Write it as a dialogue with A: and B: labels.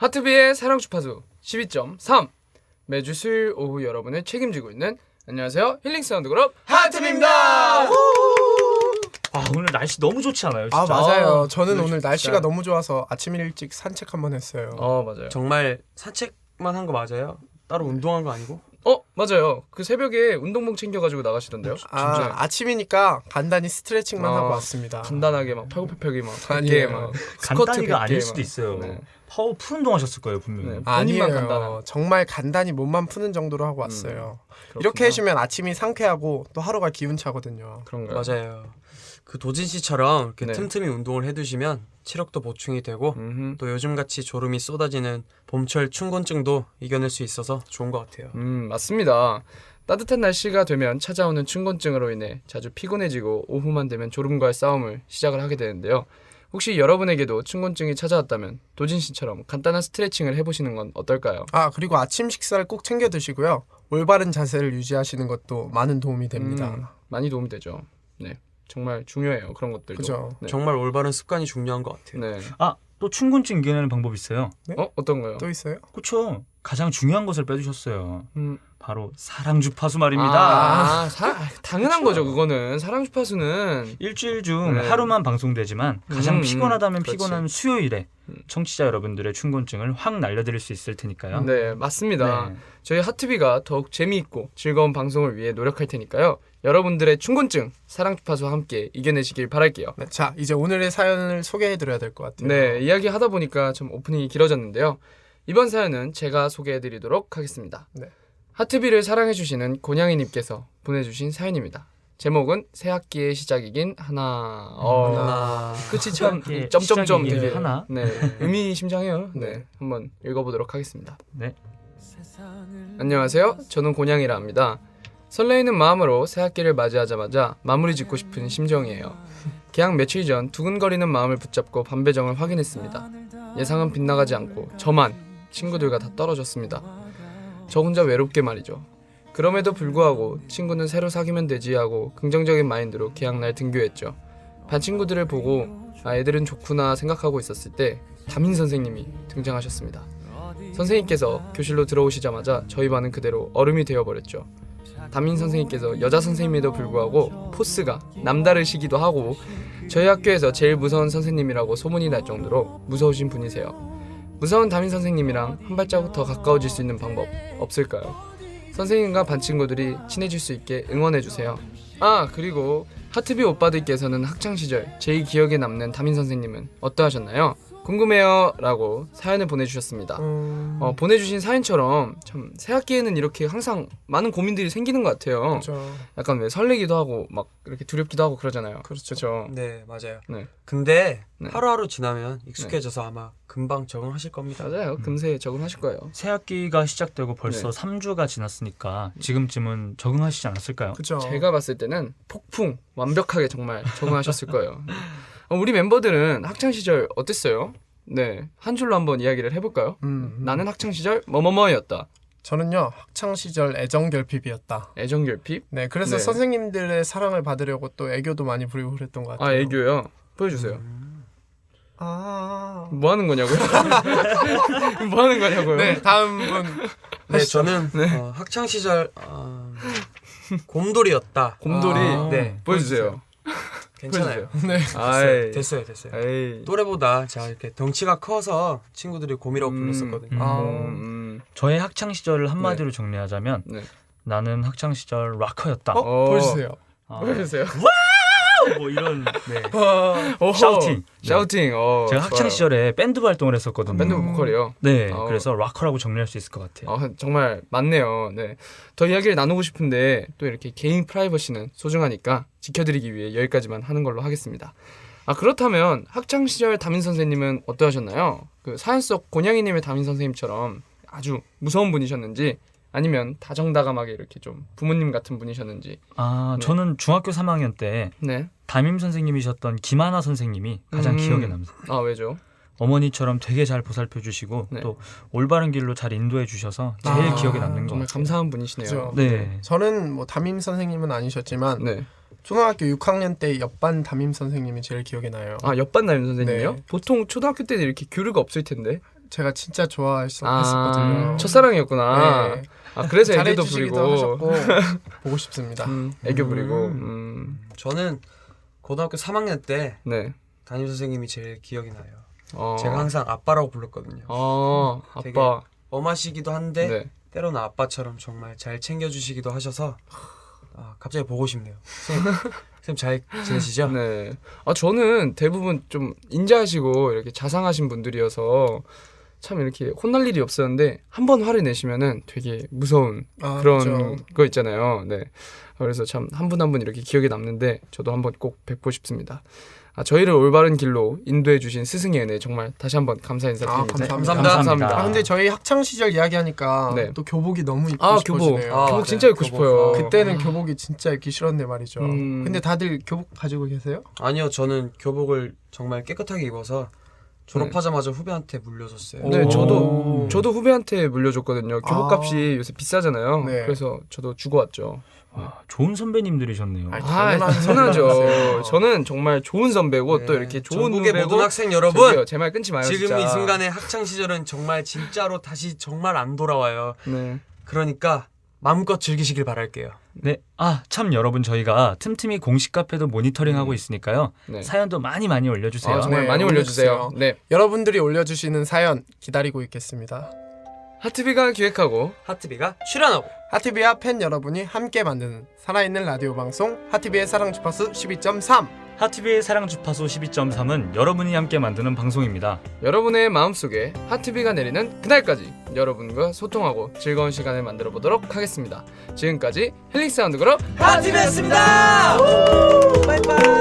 A: 하트비의 사랑 주파수 12.3 매주 수요일 오후 여러분을 책임지고 있는 안녕하세요 힐링 사운드 그룹 하트비입니다.
B: 오늘 날씨 너무 좋지 않아요? 진짜?
C: 맞아요. 저는 오늘
A: 진짜.
C: 날씨가 너무 좋아서 아침 일찍 산책 한번 했어요.
A: 맞아요.
D: 정말 산책만 한 거 맞아요? 따로 운동한 거 아니고?
A: 맞아요. 그 새벽에 운동복 챙겨가지고 나가시던데요. 진짜
C: 아침이니까 간단히 스트레칭만 하고 왔습니다.
A: 간단하게 막 팔굽혀펴기 막 100개
C: 아니에요.
A: 막 스쿼트
B: 간단히가
A: 100개
B: 아닐
A: 막.
B: 수도 있어요.
A: 네.
B: 파워 풀 운동하셨을 거예요 분명히.
A: 네. 본인만
C: 아니에요.
A: 간단한.
C: 정말 간단히 몸만 푸는 정도로 하고 왔어요.
A: 그렇구나.
C: 이렇게 해주면 아침이 상쾌하고 또 하루가 기운차거든요.
A: 그런가요?
D: 맞아요. 그 도진 씨처럼 이렇게
A: 네.
D: 틈틈이 운동을 해두시면 체력도 보충이 되고
A: 음흠.
D: 또 요즘같이 졸음이 쏟아지는 봄철 춘곤증도 이겨낼 수 있어서 좋은 것 같아요.
A: 맞습니다. 따뜻한 날씨가 되면 찾아오는 춘곤증으로 인해 자주 피곤해지고 오후만 되면 졸음과의 싸움을 시작을 하게 되는데요. 혹시 여러분에게도 춘곤증이 찾아왔다면 도진 씨처럼 간단한 스트레칭을 해보시는 건 어떨까요?
C: 그리고 아침 식사를 꼭 챙겨 드시고요. 올바른 자세를 유지하시는 것도 많은 도움이 됩니다.
A: 많이 도움이 되죠. 네, 정말 중요해요. 그런 것들도.
C: 그죠.
A: 네.
D: 정말 올바른 습관이 중요한 것 같아요.
A: 네.
B: 또 춘곤증 이겨내는 방법이 있어요.
A: 어떤 거요?
C: 또 있어요?
B: 그렇죠. 가장 중요한 것을 빼주셨어요.
A: 음.
B: 바로 사랑 주파수 말입니다.
A: 당연한 거죠. 그거는 사랑 주파수는
B: 일주일 중
A: 네.
B: 하루만 방송되지만 가장 피곤하다면
A: 그렇지.
B: 피곤한 수요일에 청취자 여러분들의 춘곤증을 확 날려드릴 수 있을 테니까요.
A: 네, 맞습니다.
B: 네.
A: 저희 하트비가 더욱 재미있고 즐거운 방송을 위해 노력할 테니까요. 여러분들의 춘곤증 사랑 주파수와 함께 이겨내시길 바랄게요.
C: 네, 자, 이제 오늘의 사연을 소개해드려야 될 것 같아요.
A: 네, 이야기 하다 보니까 좀 오프닝이 길어졌는데요. 이번 사연은 제가 소개해드리도록 하겠습니다.
C: 네.
A: 하트비를 사랑해주시는 곤양이님께서 보내주신 사연입니다. 제목은 새 학기의 시작이긴 하나.
D: 하나.
A: 끝이 참
B: 예,
A: 점점점
B: 시작이긴
A: 되게
B: 하나.
A: 네, 의미심장해요. 네, 한번 읽어보도록 하겠습니다.
B: 네.
A: 안녕하세요. 저는 곤양이라 합니다. 설레이는 마음으로 새 학기를 맞이하자마자 마무리 짓고 싶은 심정이에요. 개학 며칠 전 두근거리는 마음을 붙잡고 반배정을 확인했습니다. 예상은 빗나가지 않고 저만 친구들과 다 떨어졌습니다. 저 혼자 외롭게 말이죠. 그럼에도 불구하고 친구는 새로 사귀면 되지 하고 긍정적인 마인드로 개학날 등교했죠. 반 친구들을 보고 애들은 좋구나 생각하고 있었을 때 담임 선생님이 등장하셨습니다. 선생님께서 교실로 들어오시자마자 저희 반은 그대로 얼음이 되어버렸죠. 담임 선생님께서 여자 선생님에도 불구하고 포스가 남다르시기도 하고 저희 학교에서 제일 무서운 선생님이라고 소문이 날 정도로 무서우신 분이세요. 무서운 담임 선생님이랑 한 발자국 더 가까워질 수 있는 방법 없을까요? 선생님과 반 친구들이 친해질 수 있게 응원해주세요. 그리고 하트비 오빠들께서는 학창시절 제일 기억에 남는 담임 선생님은 어떠하셨나요? 궁금해요 라고 사연을 보내주셨습니다. 보내주신 사연처럼 참 새학기에는 이렇게 항상 많은 고민들이 생기는 것 같아요.
C: 그렇죠.
A: 약간 왜 설레기도 하고 막 이렇게 두렵기도 하고 그러잖아요.
C: 그렇죠.
D: 네, 맞아요.
A: 네.
D: 근데
A: 네.
D: 하루하루 지나면 익숙해져서 아마 금방 적응하실 겁니다.
A: 맞아요. 금세 적응하실 거예요.
B: 새 학기가 시작되고 벌써
A: 네.
B: 3주가 지났으니까 지금쯤은 적응하시지 않았을까요?
C: 그렇죠.
A: 제가 봤을 때는 폭풍 완벽하게 정말 적응하셨을 거예요. 우리 멤버들은 학창 시절 어땠어요? 네, 한 줄로 한번 이야기를 해볼까요? 나는 학창 시절 뭐뭐뭐였다.
C: 저는요 학창 시절 애정 결핍이었다.
A: 애정 결핍?
C: 네, 그래서
A: 네.
C: 선생님들의 사랑을 받으려고 또 애교도 많이 부리고 그랬던 것 같아요.
A: 애교요. 보여주세요.
C: 네,
A: 뭐 하는 거냐고요? 뭐 하는 거냐고요?
C: 네, 다음 분.
D: 네, 저는 학창 시절 곰돌이였다.
A: 곰돌이.
D: 네,
A: 보여주세요.
D: 괜찮아요.
C: 네.
A: 아이.
D: 됐어요.
A: 에이.
D: 또래보다 제가 이렇게 덩치가 커서 친구들이 곰이라고 불렀었거든요.
B: 저의 학창 시절을 한마디로 정리하자면
A: 네.
B: 나는 학창 시절 락커였다.
C: 보여주세요.
A: 보여주세요.
B: 뭐 이런 네.
A: 오호.
B: 샤우팅.
A: 샤우팅.
B: 제가 학창
A: 좋아요.
B: 시절에 밴드 활동을 했었거든요.
A: 밴드 보컬이요.
B: 네,
A: 어.
B: 그래서 락커라고 정리할 수 있을 것 같아요.
A: 정말 맞네요. 네. 더 이야기를 나누고 싶은데 또 이렇게 개인 프라이버시는 소중하니까 지켜드리기 위해 여기까지만 하는 걸로 하겠습니다. 그렇다면 학창 시절 담임 선생님은 어떠하셨나요? 그 사연 속 곤양이님의 담임 선생님처럼 아주 무서운 분이셨는지 아니면 다정다감하게 이렇게 좀 부모님 같은 분이셨는지. 네.
B: 저는 중학교 3학년 때
A: 네.
B: 담임 선생님이셨던 김하나 선생님이 가장 기억에 남습니다.
A: 왜죠?
B: 어머니처럼 되게 잘 보살펴 주시고
A: 네.
B: 또 올바른 길로 잘 인도해 주셔서 제일 기억에 남는 것
A: 정말
B: 같아요.
A: 감사한 분이시네요.
C: 그죠.
B: 네.
C: 저는 뭐 담임 선생님은 아니셨지만
A: 네.
C: 초등학교 6학년 때 옆반 담임 선생님이 제일 기억에 나요.
A: 옆반 담임 선생님이요?
C: 네.
A: 보통 초등학교 때는 이렇게 교류가 없을 텐데.
C: 제가 진짜 좋아했었거든요.
A: 첫사랑이었구나.
C: 네.
A: 아 그래서 애교도
C: 잘해주시기도
A: 부리고
C: 하셨고 보고 싶습니다.
A: 애교 부리고.
D: 저는 고등학교 3학년 때
A: 네.
D: 담임 선생님이 제일 기억이 나요.
A: 어.
D: 제가 항상 아빠라고 불렀거든요. 되게
A: 아빠.
D: 엄하시기도 한데
A: 네.
D: 때로는 아빠처럼 정말 잘 챙겨주시기도 하셔서 갑자기 보고 싶네요. 선생님 잘 지내시죠?
A: 네. 아 저는 대부분 좀 인자하시고 이렇게 자상하신 분들이어서 참 이렇게 혼날 일이 없었는데 한 번 화를 내시면은 되게 무서운 그런
C: 그렇죠.
A: 거 있잖아요. 네. 그래서 참 한 분 한 분 이렇게 기억에 남는데 저도 한번 꼭 뵙고 싶습니다. 저희를 올바른 길로 인도해 주신 스승의 은혜 정말 다시 한번 감사 인사드립니다.
C: 감사합니다. 근데 저희 학창 시절 이야기하니까
A: 네.
C: 또 교복이 너무 입고
A: 교복.
C: 싶어지네요.
A: 교복
D: 네,
A: 진짜 입고
D: 교복.
A: 싶어요.
C: 그때는 교복이 진짜 입기 싫었네 말이죠.
A: 음.
C: 근데 다들 교복 가지고 계세요?
D: 아니요, 저는 교복을 정말 깨끗하게 입어서 졸업하자마자 후배한테 물려줬어요.
A: 네,
C: 오.
A: 저도 후배한테 물려줬거든요. 교복값이 요새 비싸잖아요.
C: 네.
A: 그래서 저도 주고 왔죠.
B: 좋은 선배님들이셨네요.
A: 당연하죠. 저는 정말 좋은 선배고 또 이렇게 좋은
D: 전국의
A: 후배고.
D: 모든 학생 여러분,
A: 제 말 끊지 마요.
D: 지금
A: 진짜.
D: 이 순간의 학창 시절은 정말 진짜로 다시 정말 안 돌아와요.
A: 네.
D: 그러니까 마음껏 즐기시길 바랄게요.
B: 네. 참 여러분 저희가 틈틈이 공식 카페도 모니터링하고 있으니까요.
A: 네.
B: 사연도 많이 올려주세요.
A: 정말
C: 네,
A: 많이 올려주세요.
C: 올려주세요.
A: 네.
C: 여러분들이 올려주시는 사연 기다리고 있겠습니다.
A: 하트비가 기획하고
D: 하트비가 출연하고
C: 하트비와 팬 여러분이 함께 만드는 살아있는 라디오 방송 하트비의 사랑 주파수 12.3.
B: 하트비의 사랑 주파수 12.3은 여러분이 함께 만드는 방송입니다.
A: 여러분의 마음속에 하트비가 내리는 그날까지 여러분과 소통하고 즐거운 시간을 만들어 보도록 하겠습니다. 지금까지 힐링 사운드 그룹
D: 하트비였습니다. 바이바이.